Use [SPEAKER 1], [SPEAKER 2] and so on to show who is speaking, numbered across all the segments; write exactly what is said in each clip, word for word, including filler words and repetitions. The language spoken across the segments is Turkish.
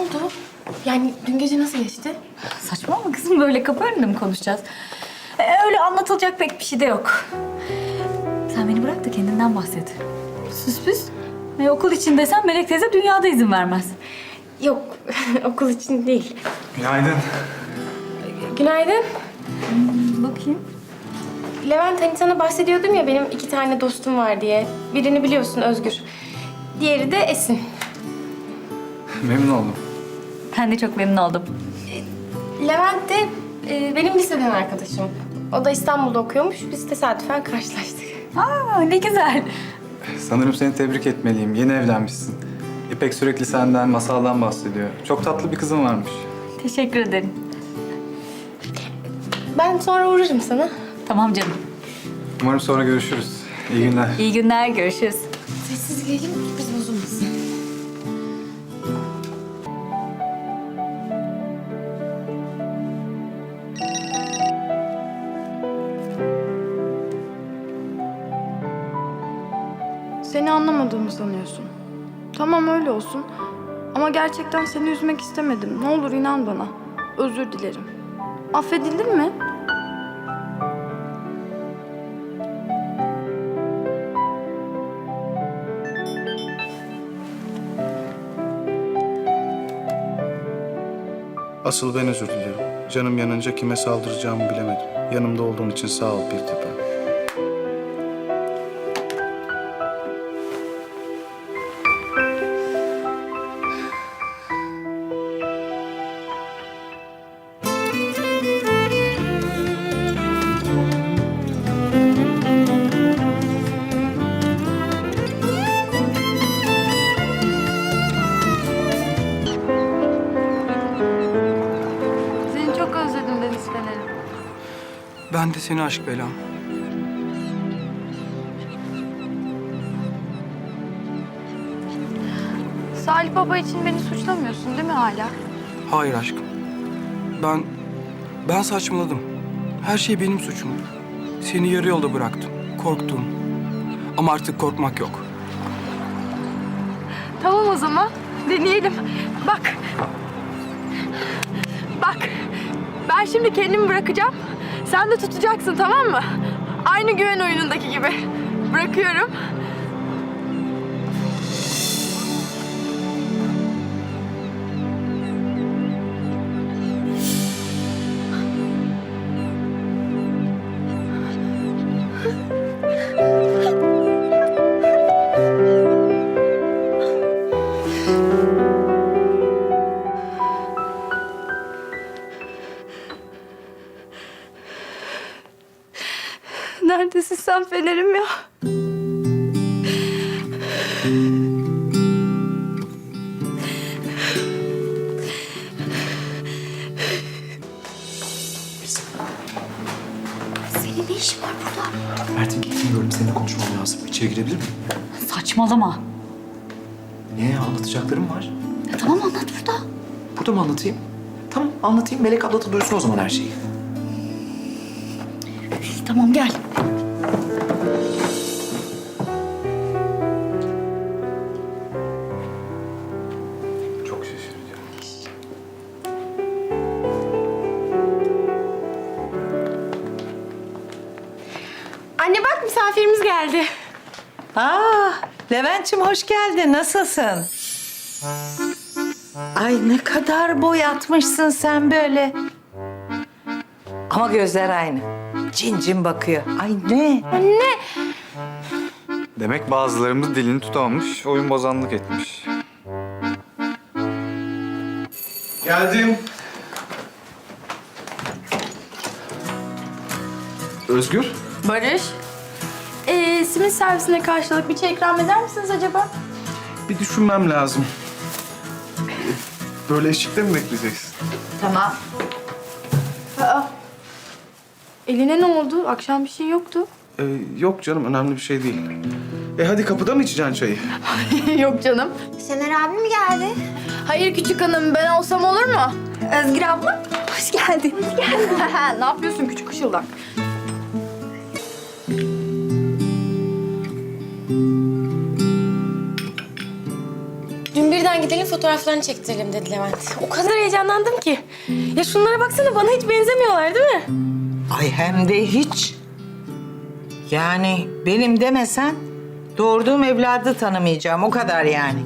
[SPEAKER 1] oldu? Yani dün gece nasıl geçti?
[SPEAKER 2] Saçmalama kızım, böyle kapı önünde mi konuşacağız? Ee, öyle anlatılacak pek bir şey de yok. Sen beni bırak da kendinden bahset. Süs püs. E, okul için desem Melek teyze dünyada izin vermez.
[SPEAKER 1] Yok, okul için değil.
[SPEAKER 3] Günaydın.
[SPEAKER 1] Günaydın.
[SPEAKER 2] Bakayım.
[SPEAKER 1] Levent, hani sana bahsediyordum ya benim iki tane dostum var diye. Birini biliyorsun, Özgür. Diğeri de Esin.
[SPEAKER 3] Memnun oldum.
[SPEAKER 2] Ben de çok memnun oldum.
[SPEAKER 1] Levent de e, benim liseden arkadaşım. O da İstanbul'da okuyormuş. Biz tesadüfen karşılaştık.
[SPEAKER 2] Aa, ne güzel.
[SPEAKER 3] Sanırım seni tebrik etmeliyim. Yeni evlenmişsin. İpek sürekli senden, masaldan bahsediyor. Çok tatlı bir kızın varmış.
[SPEAKER 2] Teşekkür ederim.
[SPEAKER 1] Ben sonra uğrarım sana.
[SPEAKER 2] Tamam canım.
[SPEAKER 3] Umarım sonra görüşürüz. İyi günler.
[SPEAKER 2] İyi günler, görüşürüz.
[SPEAKER 1] Sessiz girelim, biz bozulmasın.
[SPEAKER 4] Seni anlamadığımı sanıyorsun. Tamam öyle olsun. Ama gerçekten seni üzmek istemedim. Ne olur inan bana. Özür dilerim. Affedildin mi?
[SPEAKER 5] Asıl ben özür dilerim. Canım yanınca kime saldıracağımı bilemedim. Yanımda olduğun için sağ ol Pirtepe.
[SPEAKER 4] Seni çok özledim Deniz Fener'im.
[SPEAKER 6] Ben de seni aşk belam.
[SPEAKER 4] Salih Baba için beni suçlamıyorsun değil mi hala?
[SPEAKER 6] Hayır aşkım. Ben, ben saçmaladım. Her şey benim suçum. Seni yarı yolda bıraktım. Korktum. Ama artık korkmak yok.
[SPEAKER 4] Tamam o zaman. Deneyelim. Bak. Bak. Ben şimdi kendimi bırakacağım. Sen de tutacaksın, tamam mı? Aynı güven oyunundaki gibi. Bırakıyorum. Neredesin sen Fener'im ya?
[SPEAKER 2] Senin ne işin var burada?
[SPEAKER 7] Mert'in gittiğini gördüm. Seninle konuşmam lazım. İçeri girebilir miyim?
[SPEAKER 2] Saçmalama.
[SPEAKER 7] Niye? Anlatacaklarım var.
[SPEAKER 2] Ya tamam, anlat burada.
[SPEAKER 7] Burada mı anlatayım? Tamam anlatayım. Melek abla da duysun o zaman her şeyi.
[SPEAKER 2] Tamam, gel.
[SPEAKER 3] Çok şaşıracağım.
[SPEAKER 1] Anne bak, misafirimiz geldi.
[SPEAKER 8] Aa, Levent'ciğim hoş geldin. Nasılsın? Ay ne kadar boyatmışsın sen böyle. Ama gözler aynı. Cin cin bakıyor. Ay ne?
[SPEAKER 1] Anne.
[SPEAKER 3] Demek bazılarımız dilini tutamamış, oyun bozanlık etmiş. Geldim. Özgür.
[SPEAKER 4] Barış. Ee, simit servisine karşılık bir çay ikram eder misiniz acaba?
[SPEAKER 5] Bir düşünmem lazım. Böyle eşikte mi bekleyeceksin?
[SPEAKER 4] Tamam. Aa. Eline ne oldu? Akşam bir şey yoktu.
[SPEAKER 5] Ee, yok canım önemli bir şey değil. E hadi kapıda mı içeceksin çayı?
[SPEAKER 4] Yok canım.
[SPEAKER 9] Şener abi mi geldi?
[SPEAKER 4] Hayır küçük hanım, ben olsam olur mu?
[SPEAKER 9] Özgür abla, hoş geldin. Hoş geldin.
[SPEAKER 4] Ne yapıyorsun küçük ışıldak?
[SPEAKER 1] Dün bir Önceden gidelim fotoğraflarını çektirelim dedi Levent. O kadar heyecanlandım ki. Ya şunlara baksana, bana hiç benzemiyorlar değil mi?
[SPEAKER 8] Ay hem de hiç. Yani benim demesen doğurduğum evladı tanımayacağım. O kadar yani.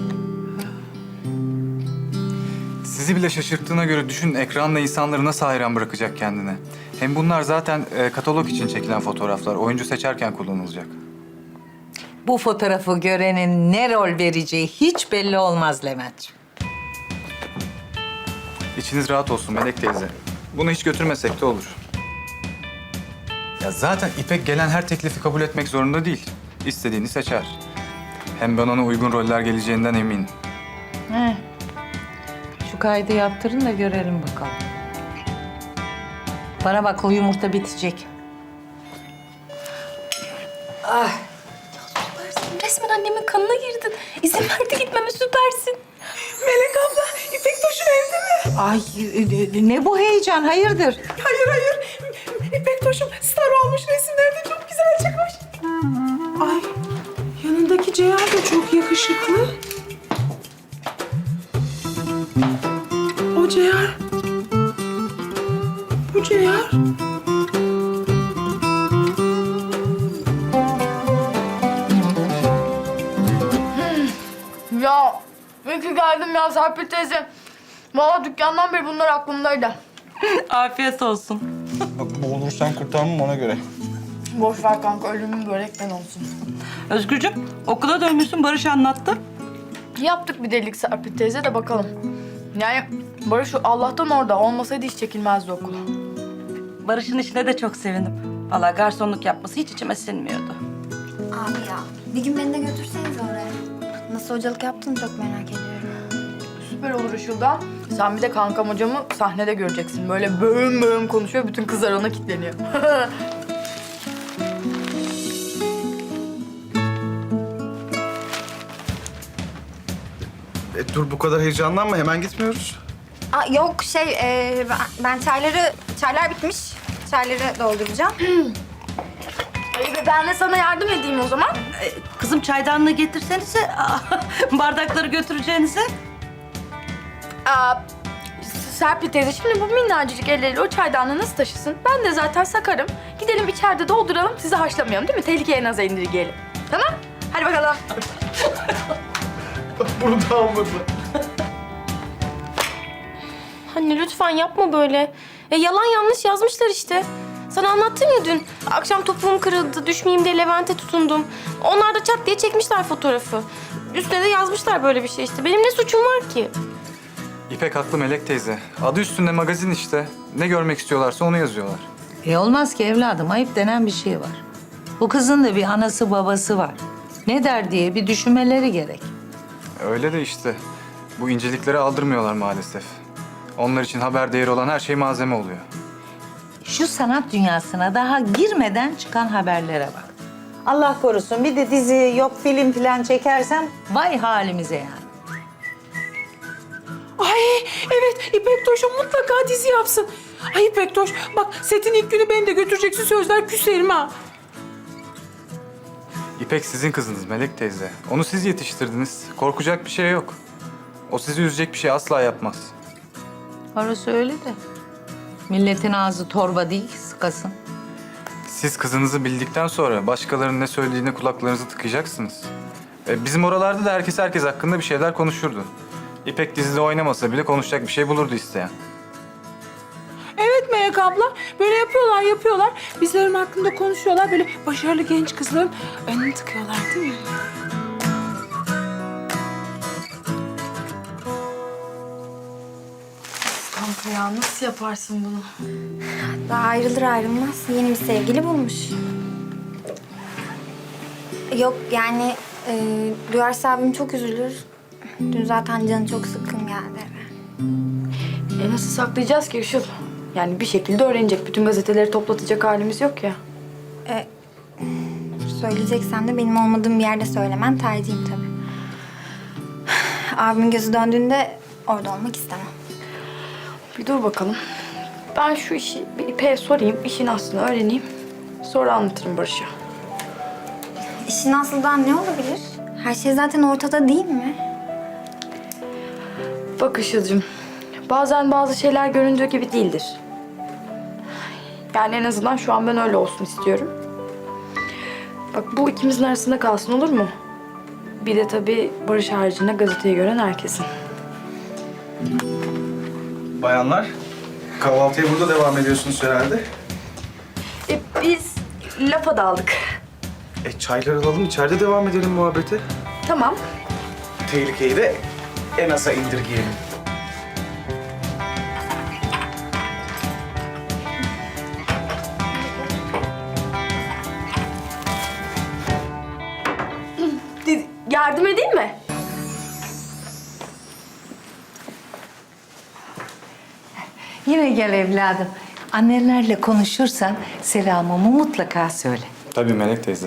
[SPEAKER 3] Sizi bile şaşırttığına göre düşün ekranla insanları nasıl hayran bırakacak kendine. Hem bunlar zaten e, katalog için çekilen fotoğraflar. Oyuncu seçerken kullanılacak.
[SPEAKER 8] Bu fotoğrafı görenin ne rol vereceği hiç belli olmaz Leventciğim.
[SPEAKER 3] İçiniz rahat olsun Melek teyze. Bunu hiç götürmesek de olur. Ya zaten İpek gelen her teklifi kabul etmek zorunda değil. İstediğini seçer. Hem ben ona uygun roller geleceğinden eminim.
[SPEAKER 8] He. Şu kaydı yaptırın da görelim bakalım. Bana bak, o yumurta bitecek.
[SPEAKER 1] Resmen annemin kanına girdin. İzin verdi gitmeme, süpersin.
[SPEAKER 7] Melek abla, İpek Toş'un evde mi?
[SPEAKER 8] Ay e, ne bu heyecan, hayırdır?
[SPEAKER 7] Hayır hayır. İpek Toş'um star olmuş, resimlerde çok güzel çıkmış. Ay, yanındaki Ceyhan da çok yakışıklı. O Ceyhan. Bu Ceyhan.
[SPEAKER 4] Ya iyi ki geldim ya Serpil teyze. Vallahi dükkandan beri bunlar aklımdaydı.
[SPEAKER 10] Afiyet olsun.
[SPEAKER 5] Bak boğulursan kurtarmam ona göre.
[SPEAKER 4] Boş ver kanka, ölümün börekten olsun.
[SPEAKER 10] Özgürcüm, okula dönmüşsün, Barış anlattı.
[SPEAKER 4] Yaptık bir delilik Serpil teyze de bakalım. Yani Barış Allah'tan orada. Olmasaydı hiç çekilmezdi okula.
[SPEAKER 10] Barış'ın işine de çok sevindim. Vallahi garsonluk yapması hiç içime sinmiyordu.
[SPEAKER 9] Abi ya bir gün beni de götürseniz oraya. Nasıl hocalık yaptığını çok merak ediyorum.
[SPEAKER 4] Süper olur Işıl'da. Sen bir de kankam hocamı sahnede göreceksin. Böyle böğüm böğüm konuşuyor. Bütün kızlar ona kilitleniyor.
[SPEAKER 5] E, dur bu kadar heyecanlanma, hemen gitmiyoruz.
[SPEAKER 9] Aa, yok şey e, ben, ben çayları, çaylar bitmiş. Çayları dolduracağım.
[SPEAKER 4] İyi be, ben de sana yardım edeyim o zaman.
[SPEAKER 10] Ee, kızım çaydanlığı getirsenize, bardakları götüreceğinize.
[SPEAKER 4] Aa, Serpil teyze şimdi bu minnacık elleriyle o çaydanlığı nasıl taşısın? Ben de zaten sakarım. Gidelim içeride dolduralım, sizi haşlamayalım değil mi? Tehlikeye naza indirgeyelim. Tamam? Hadi bakalım.
[SPEAKER 5] Bunu da almadı.
[SPEAKER 1] Anne lütfen yapma böyle. Ya yalan yanlış yazmışlar işte. Sana anlattım ya dün. Akşam topuğum kırıldı, düşmeyeyim diye Levent'e tutundum. Onlar da çat diye çekmişler fotoğrafı. Üstüne de yazmışlar böyle bir şey işte. Benim ne suçum var ki?
[SPEAKER 3] İpek haklı Melek teyze. Adı üstünde magazin işte. Ne görmek istiyorlarsa onu yazıyorlar.
[SPEAKER 8] E olmaz ki evladım, ayıp denen bir şey var. Bu kızın da bir anası babası var. Ne der diye bir düşünmeleri gerek.
[SPEAKER 3] Öyle de işte. Bu incelikleri aldırmıyorlar maalesef. Onlar için haber değeri olan her şey malzeme oluyor.
[SPEAKER 8] Şu sanat dünyasına daha girmeden çıkan haberlere bak. Allah korusun bir de dizi yok film falan çekersem vay halimize yani.
[SPEAKER 7] Ay evet, İpek Toş'um mutlaka dizi yapsın. Ay İpek Toş, bak setin ilk günü beni de götüreceksin, sözler küserim ha.
[SPEAKER 3] İpek sizin kızınız Melek teyze. Onu siz yetiştirdiniz. Korkacak bir şey yok. O sizi üzecek bir şey asla yapmaz.
[SPEAKER 8] Orası öyle de. Milletin ağzı torba değil, sıkasın.
[SPEAKER 3] Siz kızınızı bildikten sonra başkalarının ne söylediğine kulaklarınızı tıkayacaksınız. E, bizim oralarda da herkes herkes hakkında bir şeyler konuşurdu. İpek dizide oynamasa bile konuşacak bir şey bulurdu isteyen.
[SPEAKER 7] Evet Melek abla, böyle yapıyorlar yapıyorlar. Bizlerin hakkında konuşuyorlar, böyle başarılı genç kızların önünü tıkıyorlar değil mi?
[SPEAKER 4] Kanka ya nasıl yaparsın bunu?
[SPEAKER 9] Daha ayrılır ayrılmaz yeni bir sevgili bulmuş. Yok yani e, duyarsa abim çok üzülür. Dün zaten canı çok sıkkın geldi eve.
[SPEAKER 4] E nasıl saklayacağız ki Işıl? Yani bir şekilde öğrenecek. Bütün gazeteleri toplatacak halimiz yok ya.
[SPEAKER 9] E, söyleyeceksen de benim olmadığım bir yerde söylemen tercihim tabii. Abimin gözü döndüğünde orada olmak istemem.
[SPEAKER 4] Bir dur bakalım. Ben şu işi bir İpek'e sorayım. İşin aslını öğreneyim. Sonra anlatırım Barış'a.
[SPEAKER 9] İşin aslından ne olabilir? Her şey zaten ortada değil mi?
[SPEAKER 4] Bak Işıl'cığım, bazen bazı şeyler göründüğü gibi değildir. Yani en azından şu an ben öyle olsun istiyorum. Bak bu ikimizin arasında kalsın, olur mu? Bir de tabii Barış haricinde gazeteyi gören herkesin.
[SPEAKER 5] Bayanlar, kahvaltıya burada devam ediyorsunuz herhalde.
[SPEAKER 4] E, biz lafa daldık.
[SPEAKER 5] E çaylar alalım, içeride devam edelim muhabbete.
[SPEAKER 4] Tamam.
[SPEAKER 5] Tehlikeyi de en aza indirgeyelim.
[SPEAKER 4] Yardım edeyim mi?
[SPEAKER 8] Yine gel evladım. Annenlerle konuşursan selamımı mutlaka söyle.
[SPEAKER 3] Tabii Melek teyze.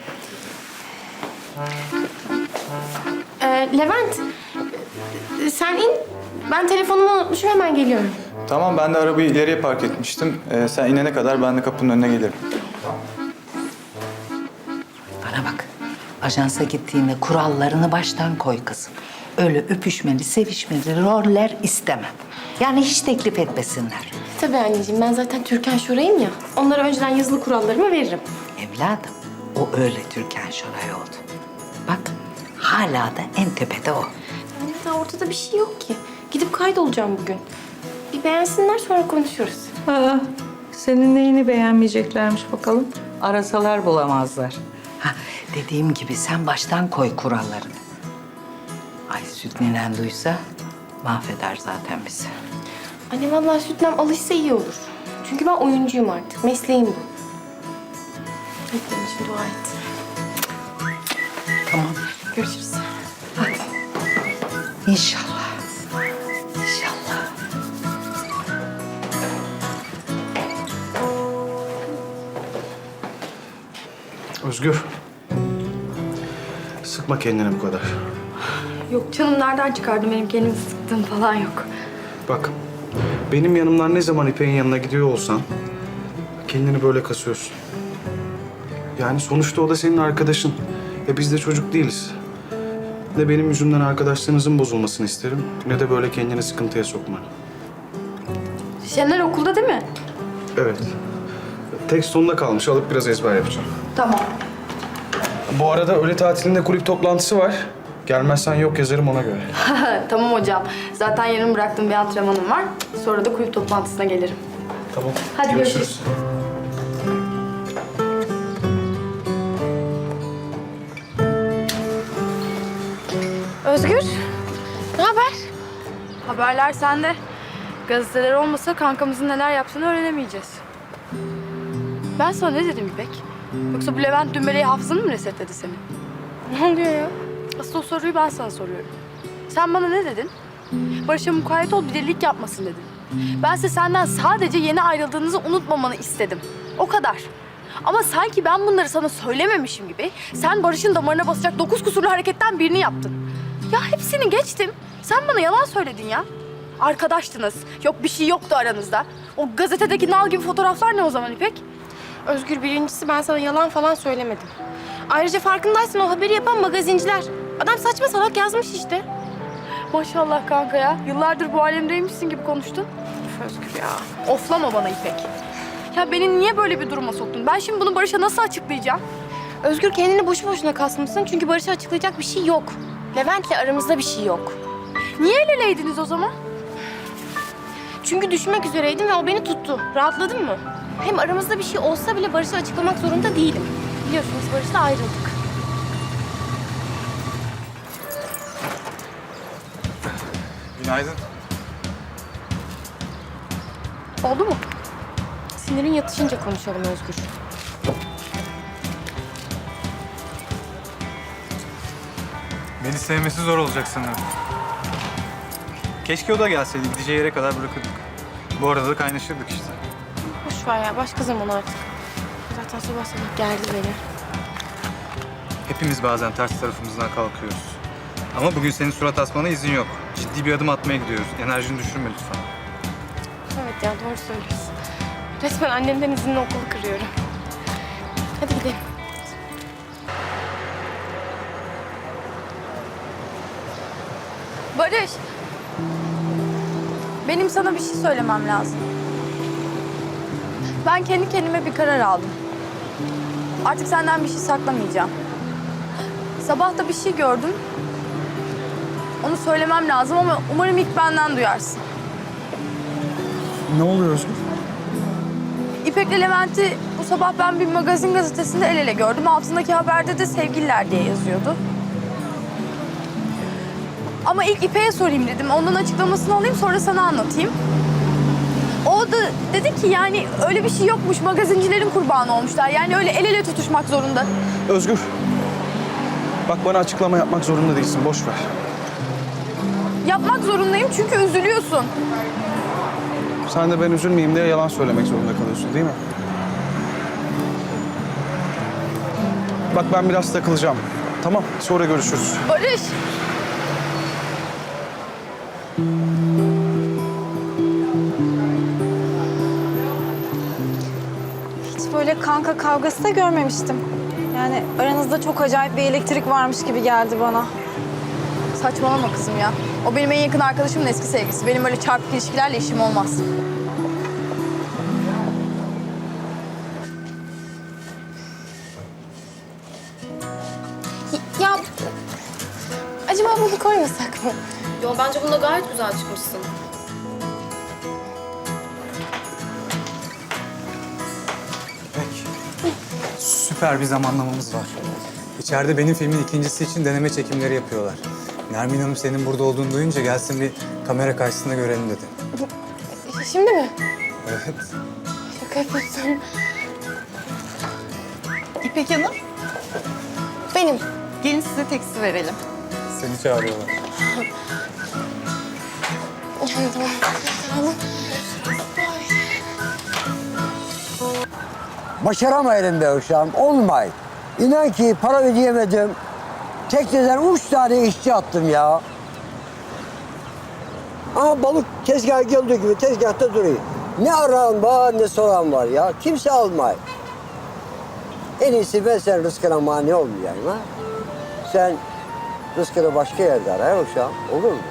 [SPEAKER 1] Ee, Levent, e, sen in. Ben telefonumu unutmuşum, hemen geliyorum.
[SPEAKER 3] Tamam, ben de arabayı ileriye park etmiştim. Ee, sen inene kadar ben de kapının önüne gelirim.
[SPEAKER 8] Bana bak. Ajansa gittiğinde kurallarını baştan koy kızım. Öyle öpüşmeli, sevişmeli roller istemem. Yani hiç teklif etmesinler.
[SPEAKER 1] Tabii anneciğim, ben zaten Türkan Şoray'ım ya. Onlara önceden yazılı kurallarımı veririm.
[SPEAKER 8] Evladım, o öyle Türkan Şoray oldu. Bak, hala da en tepede o.
[SPEAKER 1] Yani daha ortada bir şey yok ki. Gidip kaydolacağım bugün. Bir beğensinler, sonra konuşuruz.
[SPEAKER 8] Aa, senin neyini beğenmeyeceklermiş bakalım. Arasalar bulamazlar. Ha, dediğim gibi sen baştan koy kurallarını. Ay Süt ninen duysa mahveder zaten bizi.
[SPEAKER 1] Anne vallahi Sütlem alışsa iyi olur. Çünkü ben oyuncuyum artık. Mesleğim bu. Hadi benim için dua et.
[SPEAKER 8] Tamam.
[SPEAKER 1] Görüşürüz.
[SPEAKER 8] İnşallah. İnşallah.
[SPEAKER 5] Özgür. Sıkma kendini bu kadar.
[SPEAKER 4] Yok canım, nereden çıkardım benim kendimi sıktığım falan yok.
[SPEAKER 5] Bak, benim yanımdan ne zaman İpek'in yanına gidiyor olsan kendini böyle kasıyorsun. Yani sonuçta o da senin arkadaşın. E biz de çocuk değiliz. Ne benim yüzümden arkadaşlığınızın bozulmasını isterim, ne de böyle kendini sıkıntıya sokma.
[SPEAKER 4] Şener okulda değil mi?
[SPEAKER 5] Evet. Tek sonunda kalmış. Alıp biraz ezber yapacağım.
[SPEAKER 4] Tamam.
[SPEAKER 5] Bu arada öğle tatilinde kulüp toplantısı var. Gelmezsen yok yazarım ona göre.
[SPEAKER 4] Tamam hocam. Zaten yarın bıraktığım bir antrenmanım var. Sonra da kulüp toplantısına gelirim.
[SPEAKER 5] Tamam.
[SPEAKER 4] Hadi görüşürüz.
[SPEAKER 1] Özgür, ne haber?
[SPEAKER 4] Haberler sende. Gazeteler olmasa kankamızın neler yaptığını öğrenemeyeceğiz. Ben sana ne dedim İpek? Yoksa bu Levent Dümbele'yi hafızanı mı resetledi senin?
[SPEAKER 1] Ne oluyor ya?
[SPEAKER 4] Asıl o soruyu ben sana soruyorum. Sen bana ne dedin? Barış'a mukayyet ol, bir delilik yapmasın dedin. Bense senden sadece yeni ayrıldığınızı unutmamanı istedim. O kadar. Ama sanki ben bunları sana söylememişim gibi sen Barış'ın damarına basacak dokuz kusurlu hareketten birini yaptın. Ya hepsini geçtim. Sen bana yalan söyledin ya. Arkadaştınız. Yok bir şey yoktu aranızda. O gazetedeki nal gibi fotoğraflar ne o zaman İpek?
[SPEAKER 1] Özgür, birincisi ben sana yalan falan söylemedim. Ayrıca farkındaysan o haberi yapan magazinciler. Adam saçma salak yazmış işte.
[SPEAKER 4] Maşallah kanka ya. Yıllardır bu alemdeymişsin gibi konuştun.
[SPEAKER 1] Üf Özgür ya.
[SPEAKER 4] Oflama bana İpek. Ya beni niye böyle bir duruma soktun? Ben şimdi bunu Barış'a nasıl açıklayacağım?
[SPEAKER 1] Özgür, kendini boşu boşuna kasmışsın çünkü Barış'a açıklayacak bir şey yok. Levent'le aramızda bir şey yok.
[SPEAKER 4] Niye el eleydiniz o zaman?
[SPEAKER 1] Çünkü düşmek üzereydim ve o beni tuttu. Rahatladın mı? Hem aramızda bir şey olsa bile Barış'a açıklamak zorunda değilim. Biliyorsunuz Barış'la ayrıldık.
[SPEAKER 3] Günaydın.
[SPEAKER 4] Oldu mu?
[SPEAKER 1] Sinirin yatışınca konuşalım Özgür.
[SPEAKER 3] Beni sevmesi zor olacak sanırım. Keşke o da gelseydi. Gideceği yere kadar bırakırdık. Bu arada da kaynaşırdık işte.
[SPEAKER 1] Boş ver ya, başka zaman artık. Zaten sabah sabah gerdi beni.
[SPEAKER 3] Hepimiz bazen ters tarafımızdan kalkıyoruz. Ama bugün senin surat asmana izin yok. Ciddi bir adım atmaya gidiyoruz. Enerjini düşürme lütfen.
[SPEAKER 1] Evet ya, doğru söylüyorsun. Resmen annemden izinli okulu kırıyorum. Hadi gidelim.
[SPEAKER 4] Barış, benim sana bir şey söylemem lazım. Ben kendi kendime bir karar aldım. Artık senden bir şey saklamayacağım. Sabah da bir şey gördüm. Onu söylemem lazım ama umarım ilk benden duyarsın.
[SPEAKER 5] Ne oluyor Özgür?
[SPEAKER 4] İpek'le Levent'i bu sabah ben bir magazin gazetesinde el ele gördüm. Altındaki haberde de sevgililer diye yazıyordu. Ama ilk İpek'e sorayım dedim. Ondan açıklamasını alayım sonra sana anlatayım. O da dedi ki yani öyle bir şey yokmuş. Magazincilerin kurbanı olmuşlar. Yani öyle el ele tutuşmak zorunda.
[SPEAKER 5] Özgür. Bak bana açıklama yapmak zorunda değilsin. Boş ver.
[SPEAKER 4] Yapmak zorundayım çünkü üzülüyorsun.
[SPEAKER 5] Sen de ben üzülmeyeyim diye yalan söylemek zorunda kalıyorsun değil mi? Bak ben biraz takılacağım. Tamam, sonra görüşürüz.
[SPEAKER 4] Barış.
[SPEAKER 11] Hiç böyle kanka kavgası da görmemiştim. Yani aranızda çok acayip bir elektrik varmış gibi geldi bana.
[SPEAKER 4] Saçmalama kızım ya. O benim en yakın arkadaşımın eski sevgilisi. Benim öyle çarpık ilişkilerle işim olmaz.
[SPEAKER 1] Ya acaba bunu koymasak mı? Yo bence bunda gayet güzel çıkmışsın.
[SPEAKER 3] İpek, süper bir zamanlamamız var. İçeride benim filmin ikincisi için deneme çekimleri yapıyorlar. Nermin Hanım senin burada olduğunu duyunca gelsin bir kamera karşısında görelim dedi.
[SPEAKER 1] Şimdi mi?
[SPEAKER 3] Evet.
[SPEAKER 1] Şaka yapıyorsun.
[SPEAKER 12] İpek Hanım,
[SPEAKER 1] Benim.
[SPEAKER 12] gelin size teksi verelim.
[SPEAKER 3] Seni çağırıyorlar.
[SPEAKER 1] Yani tamam. Tamam.
[SPEAKER 13] Başaramayalım be uşağım, olmay. İnan ki para ödeyemedim. Tekneden üç tane işçi attım ya. Ama balık tezgahı geldiği gibi tezgahta duruyor. Ne aran var ne soran var ya. Kimse almay. En iyisi ben sen rızkına mani olmayayım ha. Sen rızkını başka yerde ara ya uşağım. Olur mu?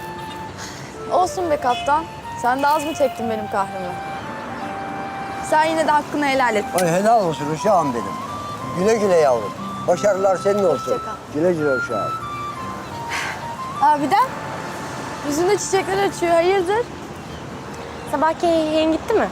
[SPEAKER 4] Olsun be kaptan. Sen de az mı çektin benim kahrımı? Sen yine de hakkını helal et.
[SPEAKER 13] Ay helal olsun uşağım benim. Güle güle yavrum. Başarılar senin olsun.
[SPEAKER 4] Hoşça kal.
[SPEAKER 13] Güle güle uşağım.
[SPEAKER 4] Abiden yüzünde çiçekler açıyor. Hayırdır?
[SPEAKER 1] Sabahki yeğen gitti mi?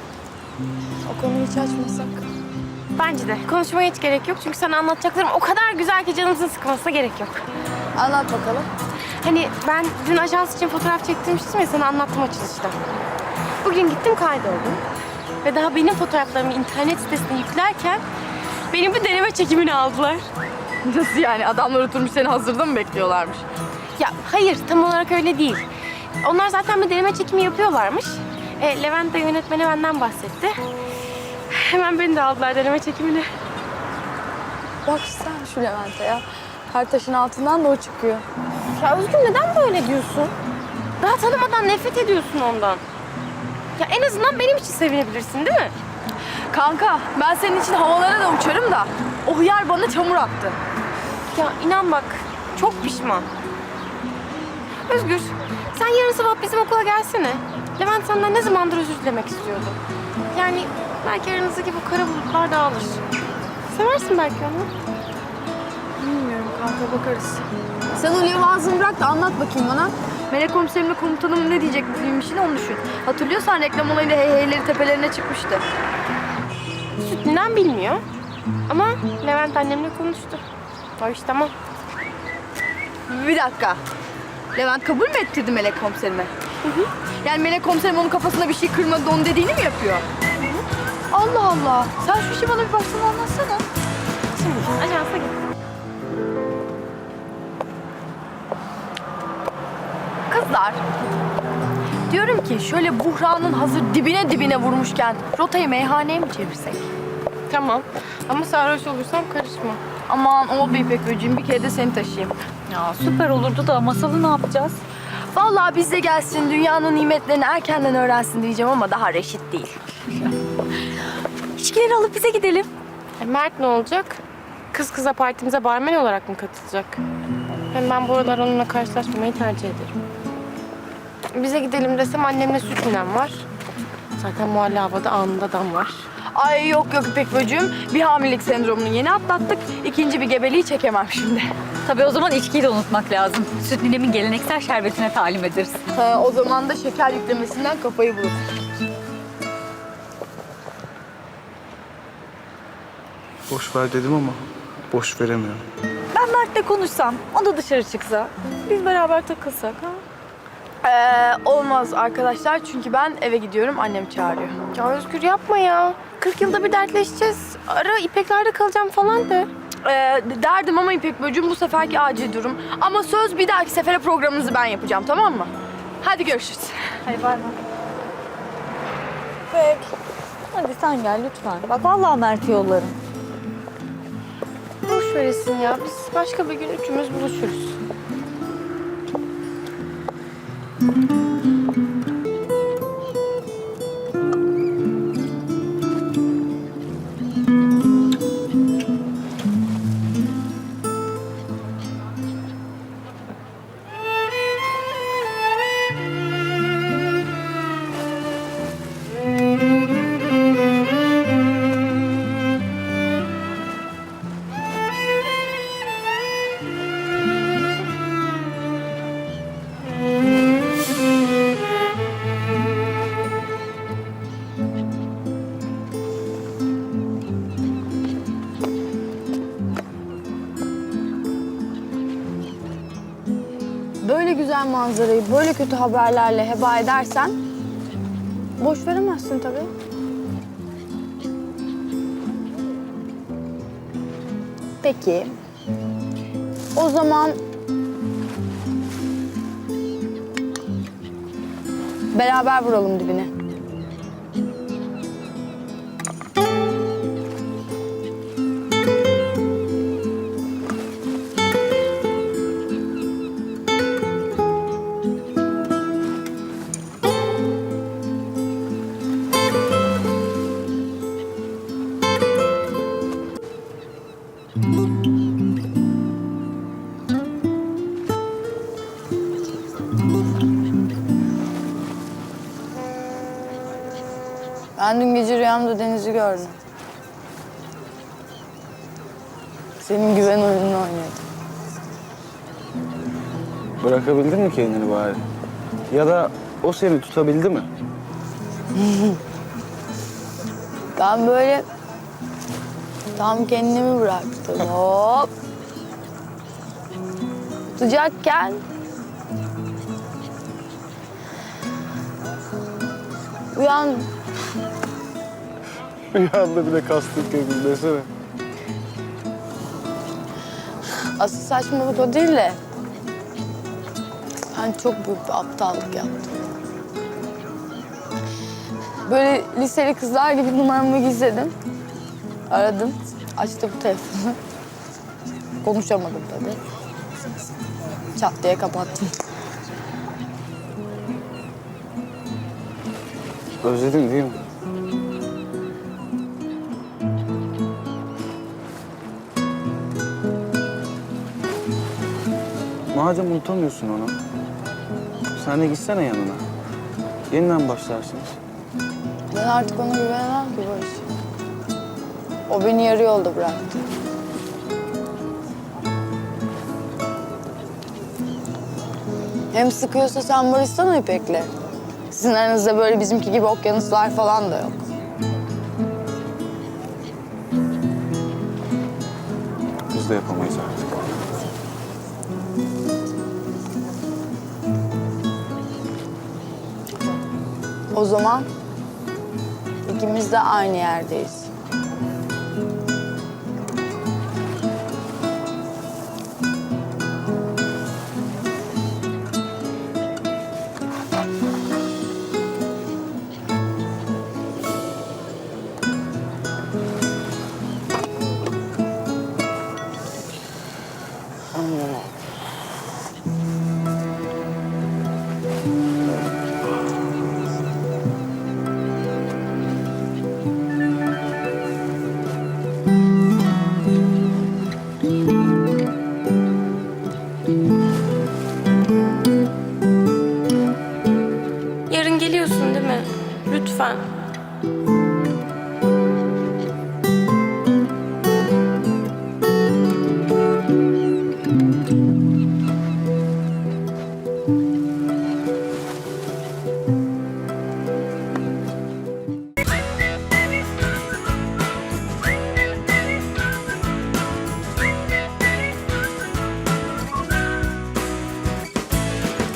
[SPEAKER 4] O konuyu hiç açmasak.
[SPEAKER 1] Bence de. Konuşmaya hiç gerek yok. Çünkü sana anlatacaklarım o kadar güzel ki canımızın sıkılmasına gerek yok.
[SPEAKER 4] Anlat bakalım.
[SPEAKER 1] Hani ben dün ajans için fotoğraf çektirmiştim ya sana anlattım açılışta. Bugün gittim kaydoldum. Ve daha benim fotoğraflarımı internet sitesine yüklerken benim bir deneme çekimini aldılar.
[SPEAKER 4] Nasıl yani? Adamlar oturmuş seni hazırda mı bekliyorlarmış?
[SPEAKER 1] Ya hayır tam olarak öyle değil. Onlar zaten bir deneme çekimi yapıyorlarmış. E, Levent de yönetmeni benden bahsetti. Hemen beni de aldılar deneme çekimine.
[SPEAKER 4] Bak sen şu Levent'e ya. Her taşın altından da o çıkıyor.
[SPEAKER 1] Ya Özgür neden böyle diyorsun? Daha tanımadan nefret ediyorsun ondan. Ya en azından benim için sevinebilirsin değil mi?
[SPEAKER 4] Kanka ben senin için havalara da uçarım da o hıyar bana çamur attı.
[SPEAKER 1] Ya inan bak çok pişman. Özgür sen yarın sabah bizim okula gelsene. Levent senden ne zamandır özür dilemek istiyordu. Yani belki aranızdaki bu kara bulutlar dağılır. Seversin belki onu.
[SPEAKER 4] Bilmiyorum kanka bakarız. Sen o levazını bırak da anlat bakayım bana. Melek komiserimle komutanım ne diyecek bu film işine onu düşün. Hatırlıyorsan reklam olayında hey heyleri tepelerine çıkmıştı.
[SPEAKER 1] Sütünden bilmiyor. Ama Levent annemle konuştu. O iş tamam.
[SPEAKER 4] Bir dakika. Levent kabul mü ettirdi Melek komiserime? Hı hı. Yani Melek komiserim onun kafasında bir şey kırmadı da onun dediğini mi yapıyor? Hı hı. Allah Allah. Sen şu işi bana bir baştan anlatsana.
[SPEAKER 1] Şimdi ajansa git.
[SPEAKER 4] Kızlar. Diyorum ki şöyle buhranın hazır dibine dibine vurmuşken rotayı meyhaneye mi çevirsek?
[SPEAKER 1] Tamam. Ama sarhoş olursam karışma.
[SPEAKER 4] Aman oldu İpek böceğim bir kere de seni taşıyayım.
[SPEAKER 2] Ya süper olurdu da masalı ne yapacağız?
[SPEAKER 4] Vallahi bizde gelsin dünyanın nimetlerini erkenden öğrensin diyeceğim ama daha reşit değil.
[SPEAKER 2] İçkileri alıp bize gidelim.
[SPEAKER 1] E, Mert ne olacak? Kız kıza partimize barmen olarak mı katılacak? Hem ben bu aralar onunla karşılaşmamayı tercih ederim. Bize gidelim desem annemle süt ninem var. Zaten muhalle havada anında dam var.
[SPEAKER 4] Ay yok yok İpek bacım. Bir hamilelik sendromunu yeni atlattık. İkinci bir gebeliği çekemem şimdi.
[SPEAKER 2] Tabii o zaman içkiyi de unutmak lazım. Süt ninemin geleneksel şerbetine talim ederiz.
[SPEAKER 4] Ha, o zaman da şeker yüklemesinden kafayı bulur.
[SPEAKER 5] Boş ver dedim ama boş veremiyorum.
[SPEAKER 2] Ben Mert'le konuşsam, o da dışarı çıksa, biz beraber takılsak ha?
[SPEAKER 4] Ee, olmaz arkadaşlar çünkü ben eve gidiyorum. Annem çağırıyor.
[SPEAKER 1] Ya Özgür yapma ya. kırk yılda bir dertleşeceğiz. Ara İpek'lerde kalacağım falan de.
[SPEAKER 4] Ee, derdim ama İpek bacım bu seferki acil durum. Ama söz bir dahaki sefere programınızı ben yapacağım, tamam mı? Hadi görüşürüz.
[SPEAKER 2] Hadi bay bay. İpek, hadi sen gel lütfen. Bak vallahi Mert'i yollarım.
[SPEAKER 1] Boş veresin ya. Biz başka bir gün üçümüz buluşuruz.
[SPEAKER 4] Böyle güzel manzarayı böyle kötü haberlerle heba edersen boş veremezsin tabii. Peki. O zaman beraber vuralım dibine. Ben dün gece rüyamda denizi gördüm. Senin güven oyununu oynadım.
[SPEAKER 5] Bırakabildin mi kendini bari? Ya da o seni tutabildi mi?
[SPEAKER 4] Ben böyle tam kendimi bıraktım. Hop. Tutacakken uyandım.
[SPEAKER 5] Rüyanda bile kastık gördüm desene.
[SPEAKER 4] Asıl saçmalık o değil de ben çok büyük bir aptallık yaptım. Böyle liseli kızlar gibi numaramı gizledim. Aradım, açtım telefonu. Konuşamadım tabii. Çat diye kapattım.
[SPEAKER 5] Özledin değil mi? Madem unutamıyorsun onu, sen de gitsene yanına. Yeniden başlarsınız.
[SPEAKER 4] Ben artık ona güvenemem ki Barış. O beni yarı yolda bıraktı. Hem sıkıyorsa sen barışsana İpek'le. Sizin aranızda böyle bizimki gibi okyanuslar falan da yok.
[SPEAKER 5] Biz de yapamayız artık.
[SPEAKER 4] O zaman ikimiz de aynı yerdeyiz.